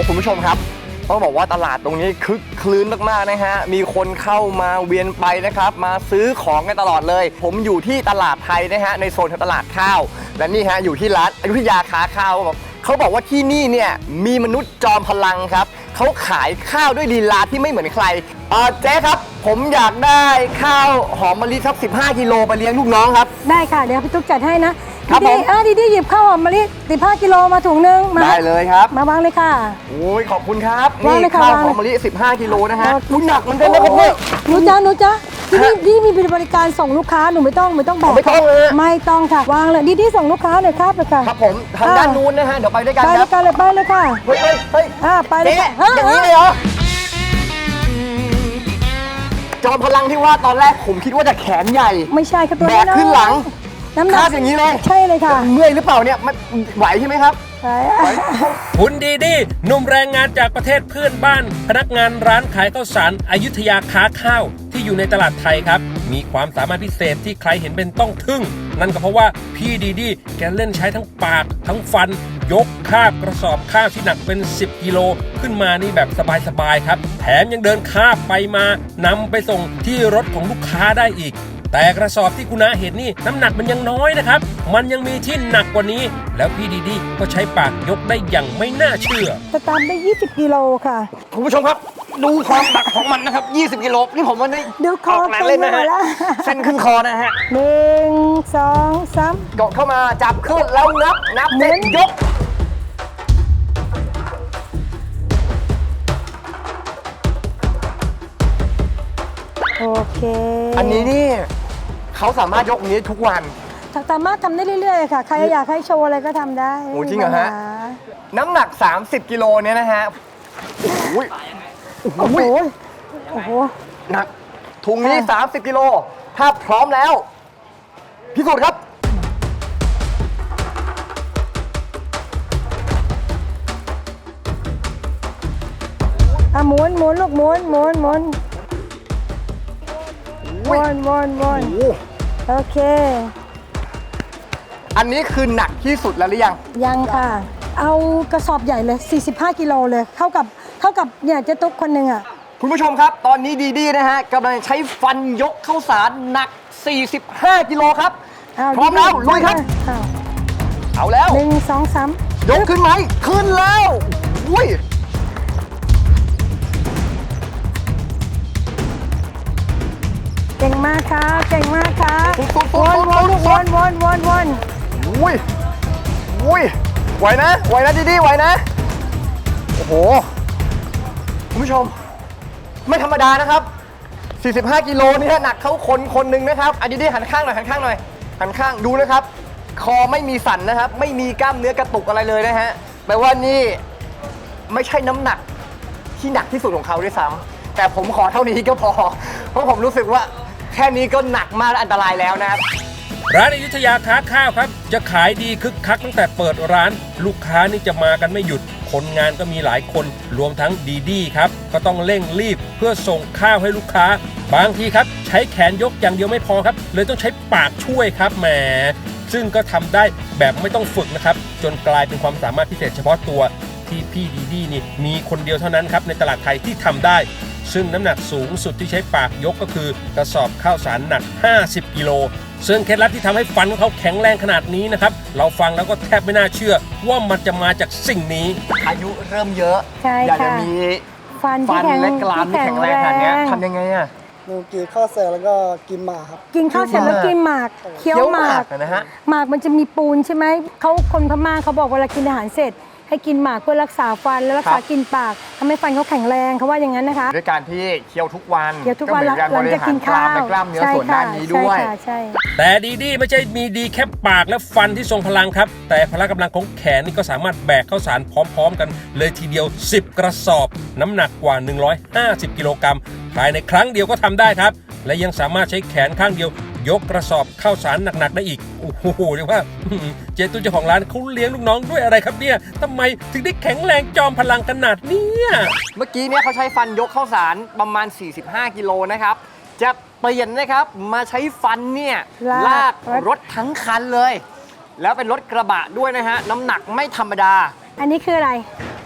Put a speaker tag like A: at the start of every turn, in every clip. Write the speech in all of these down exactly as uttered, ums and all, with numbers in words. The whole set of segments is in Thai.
A: คุณผู้ชมครับต้องบอกว่าตลาดตรงนี้คึกคลื้นมากๆนะฮะมีคนเข้ามาเวียนไปนะครับมาซื้อของกันตลอดเลยผมอยู่ที่ตลาดไทยนะฮะในโซนของตลาดข้าวและนี่ฮะอยู่ที่ร้านอยุธยาค้าข้าวเขาบอกว่าที่นี่เนี่ยมีมนุษย์จอมพลังครับเขาขายข้าวด้วยลีลาที่ไม่เหมือนใครเออเจ๊ครับผมอยากได้ข้าวหอมมะลิสักสิบห้ากิโลไปเลี้ยงลูกน้องครับได้ค่ะเดี๋ยวพี่ตุ๊กจัดให้นะครับผมอ่ะดีๆหยิบข้าวหอมมะลิสิบห้ากิโลมาถุงนึงมาได้เลยครับมาวางเลยค่ะโอ้ยขอบคุณครับนี่ข้าวหอมมะลิสิบห้ากิโลนะฮะคุณหนักมันเป็นนะครับเนี่ยหนูจ้าหนูจ้าที่นี่ที่มีบริการส่งลูกค้าหนูไม่ต้องไม่ต้องบอกไม่ต้องเลยไม่ต้องค่ะวางเลยดีๆส่งลูกค้าเลยครับเลยค่ะครับผมทางด้านนู้นนะฮะเดี๋ยวไปด้วยกันครับไปด้วยกันเลยไปเลยค่ะเฮ้ยเฮ้ยอ่าไปเลยอย่างนี้เลยเหรอจอมพลังที่ว่าตอนแรกผมคิดว่าจะแขนใหญ่ไม่ใช่ครับตัวแบกขึ้นหลังน้ำหนักอย่างนี้เลยใช่เลยค่ะเมื่อยหรือเปล่าเนี่ยมันไหวใช่ไหมครับใช่
B: คุณดีดีหนุ่มแรงงานจากประเทศเพื่อนบ้านพนักงานร้านขายข้าวสารอยุธยาค้าข้าวที่อยู่ในตลาดไทยครับมีความสามารถพิเศษที่ใครเห็นเป็นต้องทึ่งนั่นก็เพราะว่าพี่ดีดีแกเล่นใช้ทั้งปากทั้งฟันยกคาบกระสอบข้าวที่หนักเป็นสิบกิโลขึ้นมานี่แบบสบายๆครับแถมยังเดินคาบไปมานำไปส่งที่รถของลูกค้าได้อีกแต่กระสอบที่คุณน้าเห็นนี่น้ำหนักมันยังน้อยนะครับมันยังมีที่หนักกว่านี้แล้วพี่ดีดีก็ใช้ปากยกได้อย่างไม่น่าเชื่อ
C: จะตามได้ยี่สิบกิโลค่ะ
A: คุณผู้ชมครับดูความหนักของมันนะครับยี่สิบกิโลนี่ผมว่าได้
C: ดูคอ
A: เล่นนะฮะเส้นขึ้นคอนะฮะ
C: หนึ่งสองสาม
A: เกาะเข้ามาจับขึ้นแล้วนับนับเสร็จยก
C: โอเค
A: อันนี้นี่เขาสามารถยกนี้ทุกวัน
C: สามารถทำได้เรื่อยๆค่ะใครอยากให้โชว์อะไรก็ทำได้
A: โอ้จริงเหรอฮะน้ำหนักสามสิบกิโลเนี่ยนะฮะโอ้ย
C: โอ้โหโอ้โห
A: หนักถุงนี้สามสิบกิโลถ้าพร้อมแล้วพิสูจน์ครับ
C: อ่ะหมุนหมุนลูกหมุนหมุนหมุนวนวนวนโอเค
A: อันนี้คือหนักที่สุดแล้วหรือยัง
C: ยังค่ะเอากระสอบใหญ่เลยสี่สิบห้ากิโลเลยเท่ากับเท่ากับเนี่ยเจ๊ตุ๊กคนหนึ่งอ่ะ
A: คุณผู้ชมครับตอนนี้ดีดีนะฮะกำลังใช้ฟันยกข้าวสารหนักสี่สิบห้ากิโลครับพร้อมแล้วลุยครับเอาแล้ว
C: หนึ่งสองสาม
A: ยกขึ้นไหมขึ้นแล้วอุ้ย
C: เก่งมากค่ะเก่งมากค่ะวนวนวนวนวนวน
A: อุ้ยอุ้ยไหวนะไหวนะดีดีไหวนะโอ้โหคุณผู้ชมไม่ธรรมดานะครับสี่สิบห้ากิโลนี่หนักเขาคนคนหนึ่งนะครับอันนี้ดีหันข้างหน่อยหันข้างหน่อยหันข้างดูนะครับคอไม่มีสั่นนะครับไม่มีกล้ามเนื้อกระตุกอะไรเลยนะฮะแปลว่านี่ไม่ใช่น้ำหนักที่หนักที่สุดของเขาด้วยซ้ำแต่ผมขอเท่านี้ก็พอเพราะผมรู้สึกว่าแค่นี้ก็หนักมากและอันตรายแล้วนะครับ
B: ร้านอยุธยาค้าข้าวครับจะขายดีคึกคักตั้งแต่เปิดร้านลูกค้านี่จะมากันไม่หยุดคนงานก็มีหลายคนรวมทั้งดีดีครับก็ต้องเร่งรีบเพื่อส่งข้าวให้ลูกค้าบางทีครับใช้แขนยกอย่างเดียวไม่พอครับเลยต้องใช้ปากช่วยครับแหมซึ่งก็ทำได้แบบไม่ต้องฝึกนะครับจนกลายเป็นความสามารถพิเศษเฉพาะตัวที่พี่ดีดีนี่มีคนเดียวเท่านั้นครับในตลาดไทยที่ทำได้ซึ่งน้ำหนักสูงสุดที่ใช้ปากยกก็คือกระสอบข้าวสารหนักห้าสิบกิโลซึ่งเคล็ดลับที่ทำให้ฟันของเขาแข็งแรงขนาดนี้นะครับเราฟังแล้วก็แทบไม่น่าเชื่อว่ามันจะมาจากสิ่งนี้
A: อายุเริ่มเยอะ
C: อยาก
A: จะมี
C: ฟัน
A: ฟันและกรามที่แข็งแรงขนาดนี้ทำยังไงอ่ะ
D: หนูกินข้าวเสร็จแล้วก็กินหมากครับ
C: กินข้าวเสร็จแล้วกินหมากเคี้ยวหมาก
A: นะฮะ
C: หมากมันจะมีปูนใช่ไหมเขาคนพม่าเขาบอกเวลากินอาหารเสร็จให้กินหมากเพื่อรักษาฟันและรักษากินปากทำให้ฟันเขาแข็งแรงเขาว่าอย่างนั้นนะคะ
A: ด้วยการที่เคี้ยวทุกวัน
C: เคี้ยวทุกวัน
A: หลังจากกินข้าวและกล้ามเนื้อส่วนด้านนี้ด้วย
B: แต่ดีดีไม่ใช่มีดีแค่ปากและฟันที่ทรงพลังครับแต่พละกำลังของแขนนี่ก็สามารถแบกข้าวสารพร้อมๆกันเลยทีเดียวสิบกระสอบน้ำหนักกว่าหนึ่งร้อยห้าสิบกิโลกรัมภายในครั้งเดียวก็ทำได้ครับและยังสามารถใช้แขนข้างเดียวยกกระสอบข้าวสารหนักๆได้อีกโอ้โหเรียกว่าเจ๊ตุ้ยเจ้าของร้านเขาเลี้ยงลูกน้องด้วยอะไรครับเนี่ยทำไมถึงได้แข็งแรงจอมพลังขนาดนี้
A: เมื่อกี้เนี่ยเขาใช้ฟันยกข้าวสารประมาณสี่สิบห้ากิโลนะครับจะเปลี่ยนนะครับมาใช้ฟันเนี่ยลากรถทั้งคันเลยแล้วเป็นรถกระบะด้วยนะฮะน้ำหนักไม่ธรรมดา
C: อันนี้คืออะไร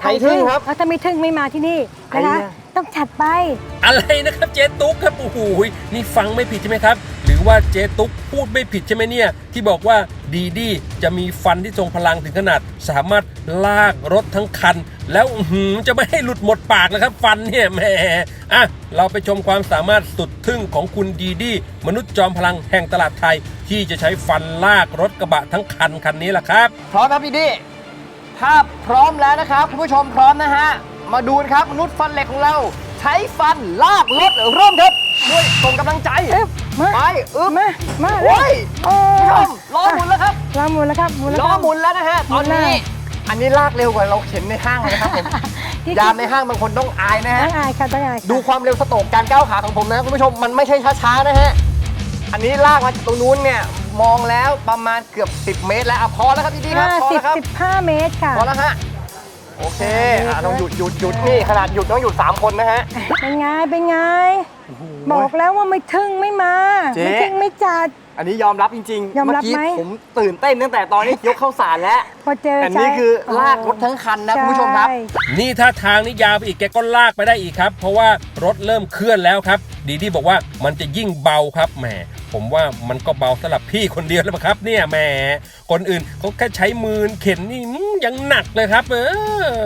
A: ไทยทึ่งครับ
C: แล้วถ้าไม่ทึ่งไม่มาที่นี่
A: ไอ้
C: นะคะ
A: เนี่ย
C: ต้องจัดไป
B: อะไรนะครับเจ๊ตุ๊กครับโอ้โหนี่ฟังไม่ผิดใช่ไหมครับ หรือว่าเจ๊ตุ๊กพูดไม่ผิดใช่ไหมเนี่ยที่บอกว่าดีดีจะมีฟันที่ทรงพลังถึงขนาด สามารถลากรถทั้งคัน แล้วอื้อหือจะไม่ให้หลุดหมดปากนะครับ ฟันเนี่ยแหมอ่ะเราไปชมความสามารถสุดทึ่งของคุณดีดีมนุษย์จอมพลังแห่งตลาดไทย ที่จะใช้ฟันลากรถกระบะทั้งคันคันนี้แหละครับ
A: พร้อมครับพี่ดีถ้าพร้อมแล้วนะครับคุณผู้ชมพร้อมนะฮะมาดูนะครับมนุษย์ฟันเหล็กของเราใช้ฟันลากรถเริ่มครับด้วยส่งกำลังใจ
C: เอ๊ะมา
A: ไปอึ๊บ
C: มามา
A: โอ้ย
C: โอ้
A: คุณผู้ชมล้อหมุนแล้วครับ
C: ล้อหมุนแล้วครับหมุนแล้ว
A: ล้อ
C: ครับ
A: หมุนแล้วนะฮะตอนนี้
C: หมุนแล้ว
A: อันนี้ลากเร็วกว่าเราเข็นในห้างเลยนะครับผม
C: ที่
A: ยามในห้างบางคนต้องอายนะ
C: ต้
A: ฮะ
C: องอายค่ะต้องอายค่ะ
A: ดูความเร็วสโตรกการก้าวขาของผมนะคุณผู้ชมมันไม่ใช่ช้าๆนะฮะอันนี้ลากมาจากตรงนู้นเนี่ยมองแล้วประมาณเกือบสิบเมตรแล้วอ่ะพอแล้วครับพี่ดีครับ
C: ห้า
A: พอ
C: สิบ
A: แล้วครับ
C: สิบห้าเมตรค่ะ
A: พอแล้วฮะโอเค
C: อ่า
A: อ่ะต้องหยุดหยุดหยุดนี่ขนาดหยุดต้องหยุดสามคนนะฮะ
C: เป็นไงเป็นไงบอกแล้วว่าไม่ทึ่งไม่มา
A: เจ๊
C: ไม่ทึ่งไม่จัด
A: อันนี้ยอมรับจริงๆ
C: ยอมรับ
A: เกี้
C: ไหม
A: ผมตื่นเต้นตั้งแต่ตอนนี้ยกเข้าสารแล้ว
C: พอเจอ
A: แต่นี่
C: ใช้
A: คือลากรถทั้งคันนะคุณผู้ชมครับ
C: ใ
B: นี่ถ้าทางนี้ยาวไปอีกแกก็ลากไปได้อีกครับ เพราะว่ารถเริ่มเคลื่อนแล้วครับ ดีดีบอกว่ามันจะยิ่งเบาครับแหมผมว่ามันก็เบาสำหรับพี่คนเดียวแล้วมั้งครับเนี่ยแหมคนอื่นเขาแค่ใช้มือเข็นนี่อื้อยังหนักเลยครับ เออ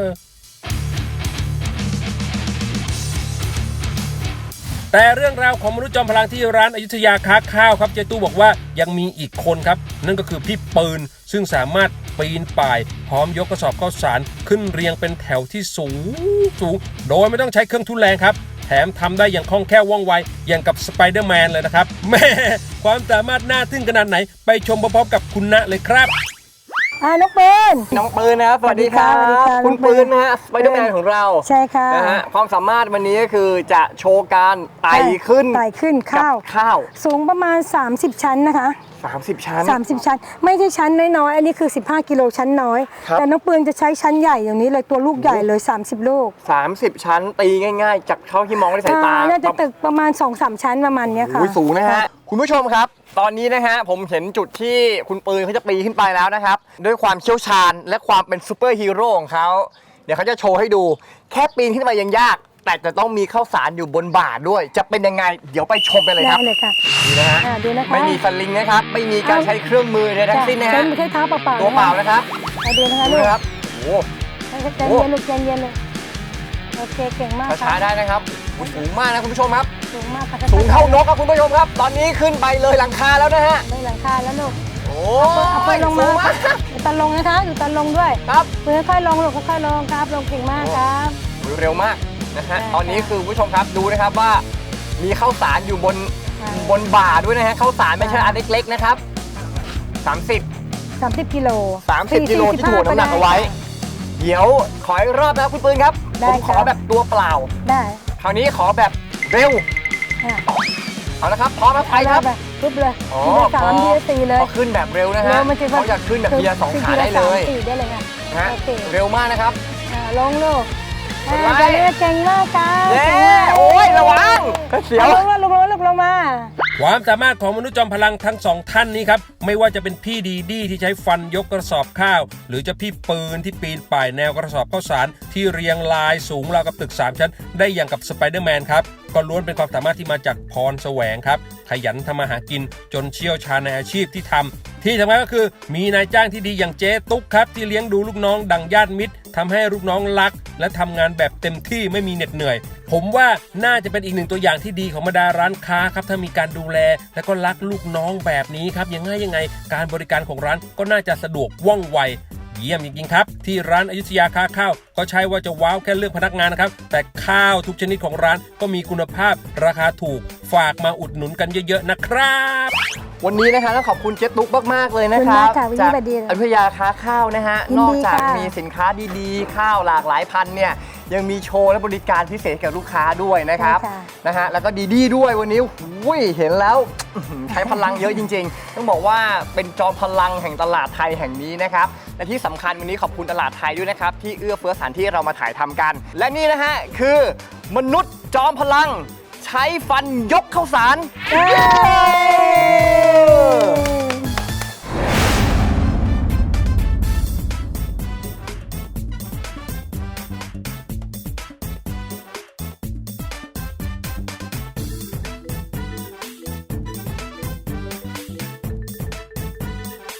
B: แต่เรื่องราวของมนุษย์จอมพลังที่ร้านอยุธยาค้าข้าวครับเจตู้บอกว่ายังมีอีกคนครับ นั่นก็คือพี่ปืนซึ่งสามารถปีนป่าย พร้อมยกกระสอบข้าวสารขึ้นเรียงเป็นแถวที่สูงสูงโดยไม่ต้องใช้เครื่องทุนแรงครับ แถมทำได้อย่างคล่องแคล่วว่องไวอย่างกับสไปเดอร์แมนเลยนะครับแม่ความสามารถน่าทึ่งขนาดไหนไปชมพร้อมๆกับคุณณเลยครับ
C: อ่าน้องปืน
A: น้องปืนนะครับสวัสดีครับ
C: สวัสดีค่ะ
A: คุณปืนนะฮะสไปเดอร์แมนของเรา
C: ใช่ค่ะ
A: นะฮะความสามารถวันนี้ก็คือจะโชว์การไต่ขึ้น
C: ไต่ขึ้น
A: กับ
C: ข้าว
A: ข้าว
C: สูงประมาณ สามสิบ ชั้นนะคะ
A: สามสิบชั้น
C: สามสิบ ชั้น ไม่ใช่ชั้นน้อยๆ อันนี้คือ สิบห้า กิโลชั้นน้อย
A: ครับ
C: แต่น้องปืนจะใช้ชั้นใหญ่อย่างนี้เลยตัวลูกใหญ่เลย สามสิบ ลูก
A: สามสิบชั้นตีง่ายๆ จากเท่าที่มองด้วยสายตา
C: อ่าน่าจะตึกประมาณ สองสาม ชั้นประมาณเนี้ยค่ะ
A: โอ้ยสูงนะฮะ คุณผู้ชมครับ ตอนนี้นะฮะผมเห็นจุดที่คุณปืนเขาจะปีนขึ้นไปแล้วนะครับ ด้วยความเชี่ยวชาญและความเป็นซูเปอร์ฮีโร่ของเขาเดี๋ยวเขาจะโชว์ให้ดู แค่ปีนขึ้นไปยังยาก แต่จะต้องมีข้าวสารอยู่บนบ่าด้วย จะเป็นยังไง เดี๋ยวไปชมกันเลยค
C: ได้
A: รับ
C: เลยค่ะ
A: นี่นะฮะ
C: อ่าดูนะคะ
A: ไม่มีสลิงนะครับ ไม่มีการใช้เครื่องมือใดทั้งสิ้นนะ
C: ใช้
A: ฮะ
C: ใช้เท้าเปล่าๆ
A: ตัวเปล่านะครับ
C: อ่าดูนะคะ
A: ดู
C: ลูก
A: นะครับโอ้
C: ใจเย็นลูกใจเย็นเลยโอเคเก่งมาก
A: ช้าๆได้นะครับโอ้สูงมากนะคุณผู้ชมครับ
C: สูงมากค่ะ
A: สูงเท่านกครับคุณผู้ชมครับ ตอนนี้ขึ้นไปเลยหลังคาแล้วนะฮะ
C: ได้หลังคาแล้วลูก
A: โอ้
C: เอาไป
A: ย
C: ลง
A: สู
C: มาง
A: มาก
C: อยู่ตอนลงนะคะอยู่ตอนลงด้วย
A: ครับ
C: มือค่อยๆลงลูกค่อยๆลงครับลงเก่งมากครับ
A: เร็วมากนะฮะ
C: ใช่
A: ตอนนี้คือคุณผู้ชมครับดูนะครับว่ามีข้าวสารอยู่บน
C: ใช่
A: บนบ่าด้วยนะฮะข้าวสารไม่ใช่อันเล็กๆนะครับสามสิบ
C: สามสิบกิโล
A: สามสิบกิโลที่ถ่วงน้ำหนักเอาไว้ เดี๋ยวขออีกรอบนะครับคุณปืนครับ
C: ได้
A: ผมขอ
C: ครับ
A: แบบตัวเปล่า
C: ได้
A: คราวนี้ขอแบบเร็ว
C: อ่ะ
A: เอาละครับพร้อมแล้วไปครับ
C: ไปปุ๊บเลย
A: อ๋อ
C: ทีละสาม
A: พอ
C: ทีละสี่เลย
A: พอขึ้นแบบเร็วนะฮะ
C: เร็วมันจะ
A: เขาอยากขึ้นแบบเบียร์สองขาได้เลย
C: สี่ได้เลยค่ะ
A: นะฮะ
C: โอเค
A: เร็วมากนะครับ
C: อ่าลงลูก
A: กดไว้
C: อ่าจะเลือกเก่งมากครับ
A: เย้
C: เก่งมาก
A: โอ้ยระวังเสียว
C: อาลงมาลงมาลงลงมา
B: ความสามารถของมนุษย์จอมพลังทั้งสองท่านนี้ครับไม่ว่าจะเป็นพี่ดีดีที่ใช้ฟันยกกระสอบข้าว หรือจะพี่ปืนที่ปีนป่ายแนวกระสอบข้าวสารที่เรียงรายสูงราวกับตึกสามชั้น ได้อย่างกับสไปเดอร์แมนครับก็ล้วนเป็นความสามารถที่มาจากพรแสวงครับขยันทำมาหากินจนเชี่ยวชาญในอาชีพที่ทำที่สำคัญก็คือมีนายจ้างที่ดีอย่างเจ๊ตุ๊กครับที่เลี้ยงดูลูกน้องดังญาติมิตรทำให้ลูกน้องรัก และทำงานแบบเต็มที่ไม่มีเหน็ดเหนื่อย ผมว่าน่าจะเป็นอีกหนึ่งตัวอย่างที่ดีของบรรดาร้านค้าครับถ้ามีการดูแล และก็รักลูกน้องแบบนี้ครับยังไงยังไง การบริการของร้านก็น่าจะสะดวกว่องไวเยี่ยมจริงๆครับที่ร้านอยุธยาค้าข้าวก็ใช่ว่าจะว้าวแค่เรื่องพนักงานนะครับแต่ข้าวทุกชนิดของร้านก็มีคุณภาพราคาถูกฝากมาอุดหนุนกันเยอะๆนะครับ
A: วันนี้นะคะต้องขอบคุณเจ๊ตุ๊กมากๆเลยนะครับ
C: ขอบคุณมากค่ะวันนี้
A: จาก
C: สวัสดี
A: อยุธยาค้าข้าวนะฮะ
C: ยินดี
A: นอกจาก
C: ค่ะ
A: มีสินค้าดีๆ ข้าวหลากหลายพันเนี่ยยังมีโชว์และบริการพิเศษกับลูกค้าด้วยนะครับ
C: ใช่ค่ะ
A: นะฮะแล้วก็ดีๆด้วยวันนี้หุยเห็นแล้วอื้อหือใช้พลังเยอะจริงๆ ต้องบอกว่าเป็นจอมพลังแห่งตลาดไทยแห่งนี้นะครับและที่สำคัญวันนี้ขอบคุณตลาดไทยด้วยนะครับที่เอื้อเฟื้อสถานที่เรามาถ่ายทำกัน และนี่นะฮะคือมนุษย์จอมพลังใช้ฟันยกข้าวสาร
C: เย้